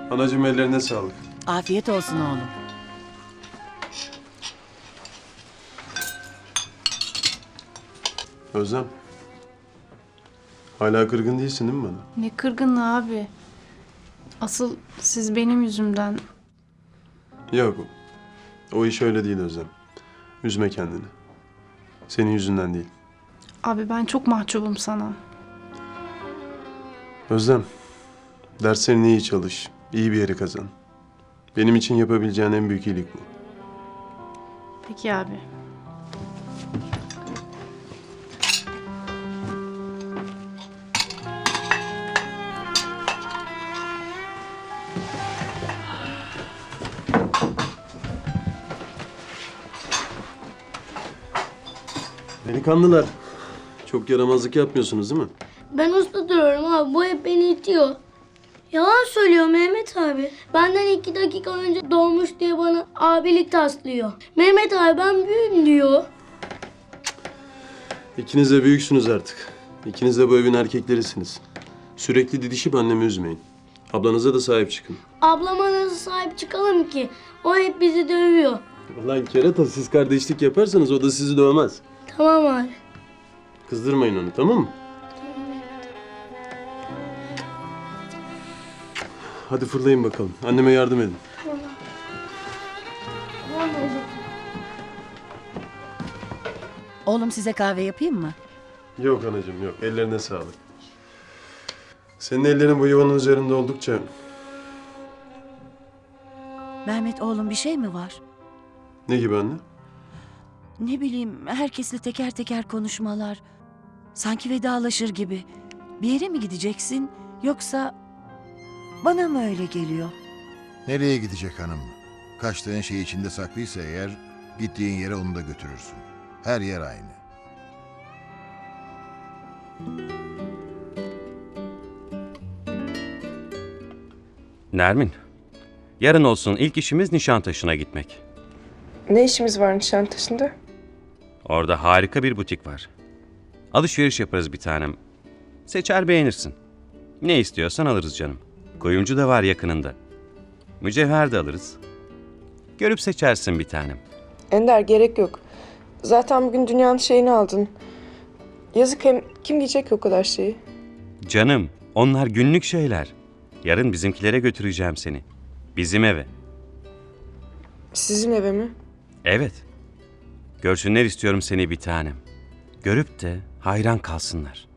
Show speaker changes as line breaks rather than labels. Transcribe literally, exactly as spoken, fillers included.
Anacığım ellerine sağlık.
Afiyet olsun oğlum.
Özlem. Hala kırgın değilsin değil mi bana?
Ne kırgınlığı abi. Asıl siz benim yüzümden.
Yok. O iş öyle değil Özlem. Üzme kendini. Senin yüzünden değil.
Abi ben çok mahcubum sana.
Özlem. Derslerini iyi çalış. İyi bir yere kazan. Benim için yapabileceğin en büyük iyilik bu.
Peki abi.
Delikanlılar. Çok yaramazlık yapmıyorsunuz değil mi?
Ben usta duruyorum abi. Bu hep beni itiyor. Yalan söylüyor Mehmet abi. Benden iki dakika önce doğmuş diye bana abilik taslıyor. Mehmet abi ben büyüğüm diyor.
İkiniz de büyüksünüz artık. İkiniz de bu evin erkeklerisiniz. Sürekli didişip annemi üzmeyin. Ablanıza da sahip çıkın.
Ablama nasıl sahip çıkalım ki? O hep bizi dövüyor.
Ulan kerata, siz kardeşlik yaparsanız o da sizi dövmez.
Tamam abi.
Kızdırmayın onu, tamam mı? Hadi fırlayın bakalım. Anneme yardım edin.
Tamam babacığım.
Oğlum size kahve yapayım mı?
Yok anacığım yok. Ellerine sağlık. Senin ellerin bu yuvanın üzerinde oldukça...
Mehmet oğlum bir şey mi var?
Ne gibi anne?
Ne bileyim herkesle teker teker konuşmalar. Sanki vedalaşır gibi. Bir yere mi gideceksin yoksa bana mı öyle geliyor?
Nereye gidecek hanım? Kaçtığın şey içinde saklıysa eğer gittiğin yere onu da götürürsün. Her yer aynı.
Nermin, yarın olsun ilk işimiz Nişantaşı'na gitmek.
Ne işimiz var Nişantaşı'nda?
Orada harika bir butik var. Alışveriş yaparız bir tanem. Seçer beğenirsin. Ne istiyorsan alırız canım. Kuyumcu da var yakınında. Mücevher de alırız. Görüp seçersin bir tanem.
Ender gerek yok. Zaten bugün dünyanın şeyini aldın. Yazık, hem kim giyecek ki o kadar şeyi?
Canım, onlar günlük şeyler. Yarın bizimkilere götüreceğim seni. Bizim eve.
Sizin eve mi?
Evet. Görsünler istiyorum seni bir tanem. Görüp de hayran kalsınlar.